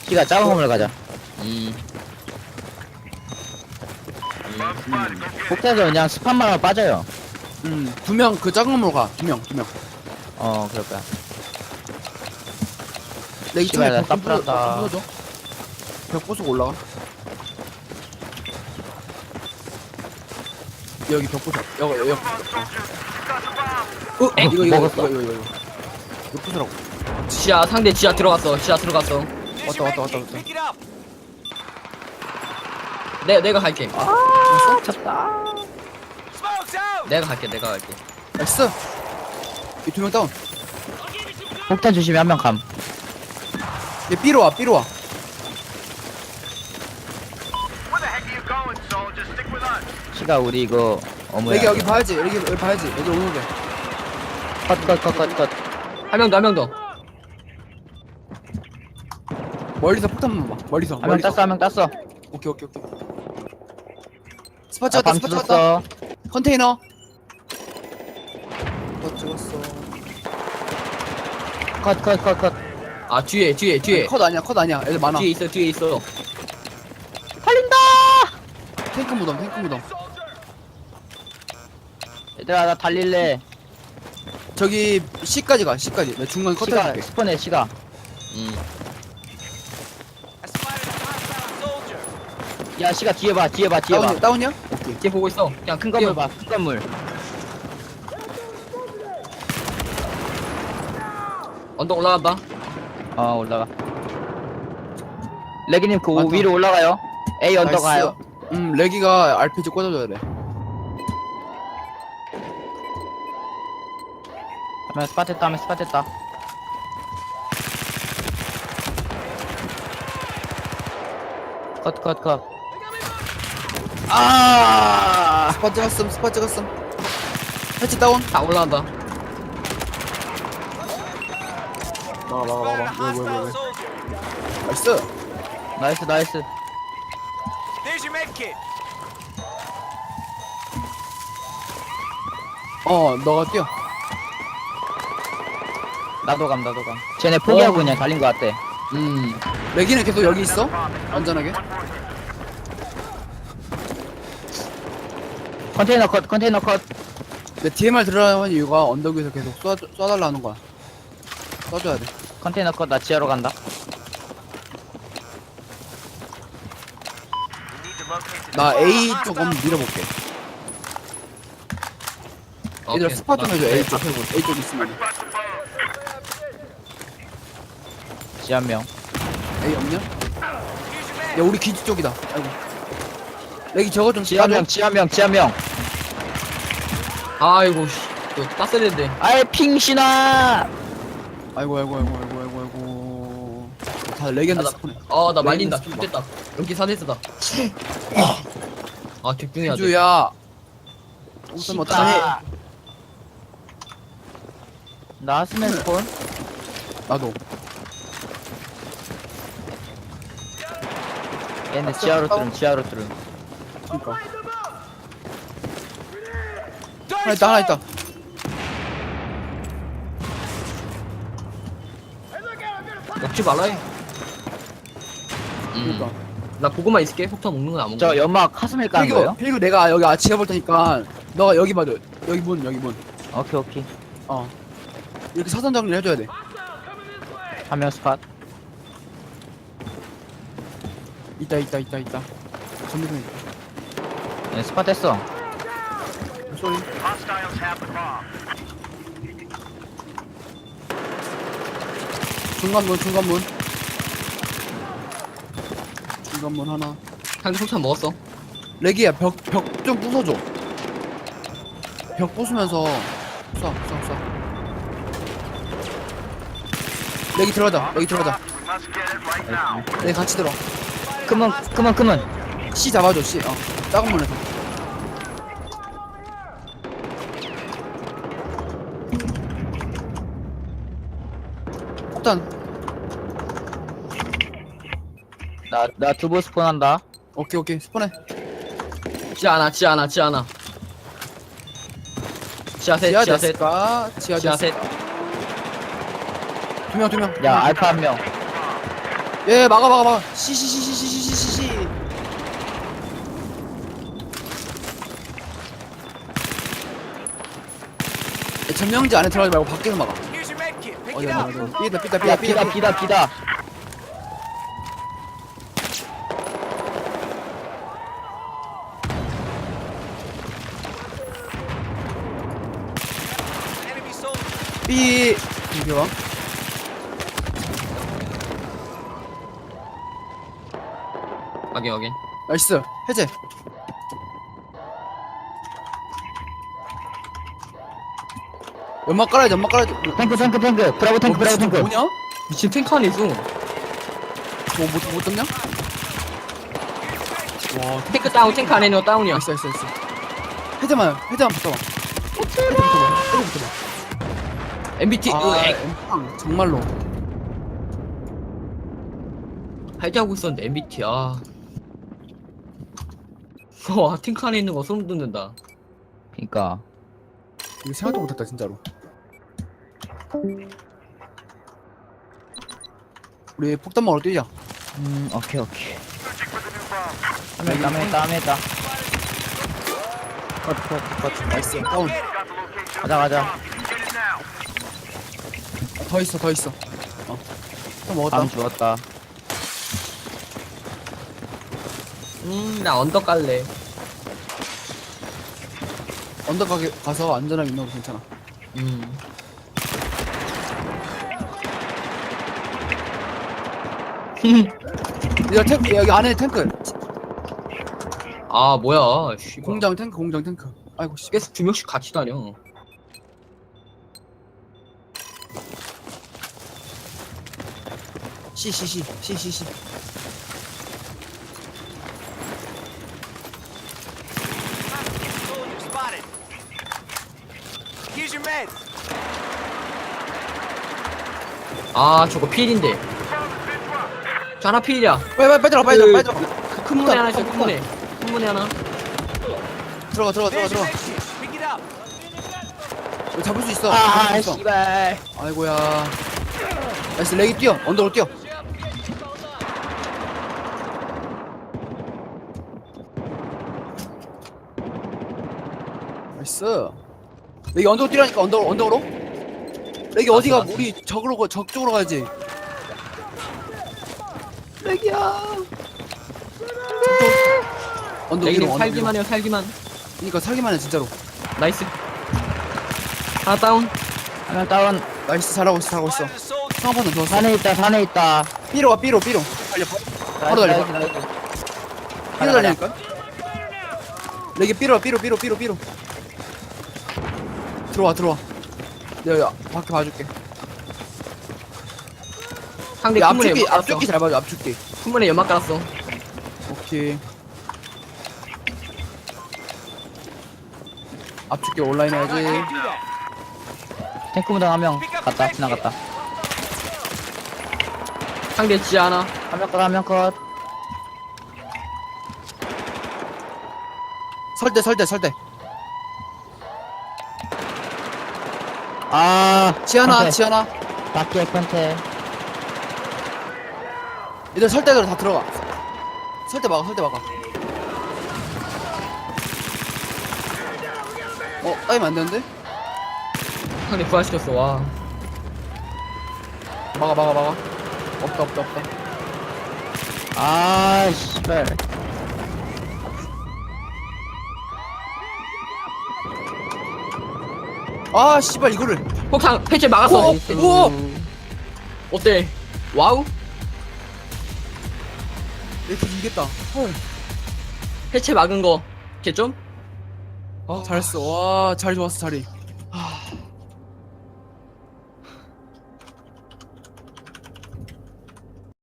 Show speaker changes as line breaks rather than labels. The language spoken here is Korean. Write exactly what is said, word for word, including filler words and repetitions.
키가 작은 건물 가자.
음.
폭탄에서 그냥 스팟만 하면 빠져요.
음, 두 명 그 작은 건물로 가. 두 명, 두 명.
어, 그럴 거야.
내 이쪽에
씨발, 나
벽 좀 부숴-
땀풀었다.
벽좀 부숴줘. 벽 부수고 올라가. 여기 벽 부숴. 여기, 여기. 어, 어
에?
이거, 이거,
먹었어.
이거, 이거, 이거, 이거. 이거 부수라고.
지하 상대 지하 들어갔어. 지하 들어갔어.
왔다, 왔다, 왔다, 왔다.
내 내가 갈게.
됐어?
쳤다.
내가 갈게. 내가 갈게.
나이스. 이 두 명 다운.
폭탄 조심히 한 명 감.
얘 B로 와, B로 와.
키가 우리 이거 어머야.
여기, 여기 봐야지. 여기, 여기 봐야지. 여기 오는 게.
컷컷컷컷 컷.
한 명 더, 한 명 더.
멀리서 폭탄만 봐. 멀리서.
한 명
멀리서.
땄어, 한 명 땄어.
오케이, 오케이, 오케이. 스팟
아,
찍었다,
방
스팟 찍었다.
뜯었어.
컨테이너. 스팟 찍었어.
컷컷컷컷.
아 뒤에 뒤에 뒤에.
아니, 컷 아니야, 컷 아니야. 애들 많아.
뒤에 있어 뒤에 있어.
팔린다.
탱크 무덤, 탱크 무덤.
얘들아 나 달릴래.
저기 C까지 가, C까지. 내가 중간 컷
시가
해줄게.
스폰해 시가.
음.
야 시가 뒤에 봐 뒤에 봐 뒤에 봐.
다운이야, 다운이야? 오케이.
뒤에 보고 있어. 그냥
큰 건물 봐. 큰 건물.
언덕 올라간다.
어 올라가. 레기님 그
많다.
위로 올라가요. A 언더
나이스.
가요.
음, 레기가 알피지 꽂아줘야 돼.
하면 스팟 했다 하면 스팟 했다. 컷 컷 컷. 아.
스팟 찍었음, 스팟 찍었음. 해치 다운.
다 올라간다.
막아, 막아, 막아. 왜, 왜, 왜, 왜. 나이스.
나이스 나이스.
어, 너가 뛰어.
나도 감 나도 감. 쟤네 포기하고
어.
그냥 달린 거 같대.
음.
레기는 계속 여기 있어? 안전하게.
컨테이너 컷 컨테이너 컷.
내 디엠알 들어가는 이유가 언덕 위에서 계속 쏴, 쏴달라 하는 거야. 쏴줘야 돼.
컨테이너 컷 나 지하로 간다.
나 A 쪽 한번 밀어볼게. 얘들아
오케이.
스팟 좀
나-
해줘. A
네,
쪽.
앞에 보자.
A 쪽 있으면.
지 한 명.
A 없냐? 야 우리 기지 쪽이다. 아이고. 레기 저거 좀
지 한
쏴줘.
명 지 한 명 지 한 명.
아이고 씨. 또 땄어야 되는데.
아이 핑신아.
아이고 아이고 아이고 아이고 아이고 아이고. 다 레기한테
나-
스폰해.
어, 나
레이는
말린다.
스폰.
죽겠다. 여기 사대스다. 아, 집중해야 돼.
기주야. 웃으면 뭐 어떡하니?
시다. 나스맨 스폰.
나도.
얘네 지하로 뚫음 지하로 뚫음.
그니까. 하나 있다 하나 있다.
먹지 말라 해.
그니까.
음. 나 보고만 있을게. 폭탄 먹는 건 안 먹어.
저 연막 카스밀 까는
필구
거예요?
필구 내가 여기 아치 해볼 테니까 너가 여기 봐줘. 여기 문 여기 문.
오케이 오케이.
어. 이렇게 사선 정리를 해줘야 돼.
한 명 스팟.
있다 있다 있다 있다. 전부 있다.
얘 스팟 했어.
소리. 중간 문 중간 문. 중간 문 하나.
상대 폭탄 먹었어.
레기야 벽 벽 좀 부숴줘. 벽 부수면서 쏴 쏴 쏴. 레기 들어가자. 레기 들어가자. 레기 같이 들어.
크문 크문 크문.
C 잡아줘 C. 어. 작은 문에서. 폭탄.
나나 두부 스폰 한다.
오케이 오케이 스폰해.
지하 하나, 지하 하나, 지하 하나. 지하 셋,
지하
지하 셋.
됐을까? 지하
지하 셋.
두명 두 명.
야 알파 한 명.
예 막아 막아 막아 시시시시시시시시 점령지 안에 들어가지 말고 밖에서 막아. 어디야 어디야 삐다 삐다 삐다
야 비다 비다 비다.
삐 이리 와.
확인 확인.
나이스 해제. 연막 깔아야지 연막 깔아야지. 뭐,
탱크 탱크 탱크. 브라보 탱크 브라보 탱크.
뭐냐?
미친 탱크 안에 있어.
뭐못 못 잡냐? 와
탱크 다운 탱크 안에 있는 거 다운이야.
나이스 나이스 나이스. 해제만 해제만 붙어봐. 해제 붙어봐. 해제 붙어봐.
엠비티
아,
으,
엠팡, 정말로.
할지하고 있었는데 엠비티야. 와 탱크 안에 있는 거 소름 돋는다.
그니까.
이거 생각도 못했다 진짜로. 우리 폭탄 먹으러 뛰자.
음 오케이 오케이. 땀에 땀에 땀에다. 컷컷컷.
나이스 다운.
가자 가자.
더 있어 더 있어. 어. 또 먹었다.
땀 죽었다.
음나 언덕 갈래.
언덕 가게 가서 안전하게 있는 거 괜찮아.
음.
야 탱크 여기 안에 탱크.
아 뭐야. 씨,
공장 탱크 공장 탱크. 아이고 씨.
계속 두 명씩 같이 다녀.
씨씨씨 씨씨씨.
아 저거 필인데. 저 하나 필이야.
빨리 빨리 빨리 들어가 빨리 들어가 빨리
그-
들어가.
그 큰 문에 하나 있어. 큰 문에. 큰 문에 하나.
들어가 들어가 들어가 들어가. 여기 잡을 수 있어.
아
잡을 수 있어.
씨발.
아이고야. 나이스 렉이 뛰어. 언덕으로 뛰어. 나이스. 렉이 언덕으로 뛰라니까 언덕 언덕으로. 렉이 어디가
나이스.
우리 적으로 가- 적 쪽으로 가야지. 렉이야. 언덕 위로
내기는
언덕
살기만
위로.
해요. 살기만.
그러니까 살기만 해 진짜로.
나이스. 하나 다운.
하나 다운.
나이스 잘하고 있어 잘하고 있어. 상판은 좋았어.
산에 있다 산에 있다.
삐로 와 삐로 삐로. 달려. 바로 달려.
나이스, 나이스, 나이스.
삐로 달리니까. 렉이 삐로 와 삐로 삐로 삐로 삐로. 들어와 들어와. 내가 밖에 봐줄게.
상대
야,
큰 문에
앞줄기
연막 깔았어.
앞줄기 잘 봐줘 앞줄기.
큰 문에 연막 깔았어.
오케이. 앞줄기 온라인 해야지.
탱크 무당 한 명 갔다 지나갔다.
상대 지하 하나.
한 명 컷 한 명 컷.
설대 설대 설대.
아
지하나
컨테.
지하나.
밖에 컨테.
얘들 설대로 다 들어가. 설대 막아 설대 막아. 어 따이면 안 되는데?
상대 부활시켰어. 와.
막아 막아 막아. 없다 없다 없다.
아 씨발.
아 씨발 이거를.
폭탄 패치 막았어.
오, 우와.
어때? 와우?
이렇게 이겼다. 헐.
해체 막은 거 개점?
아 잘했어. 와 잘 좋았어 자리.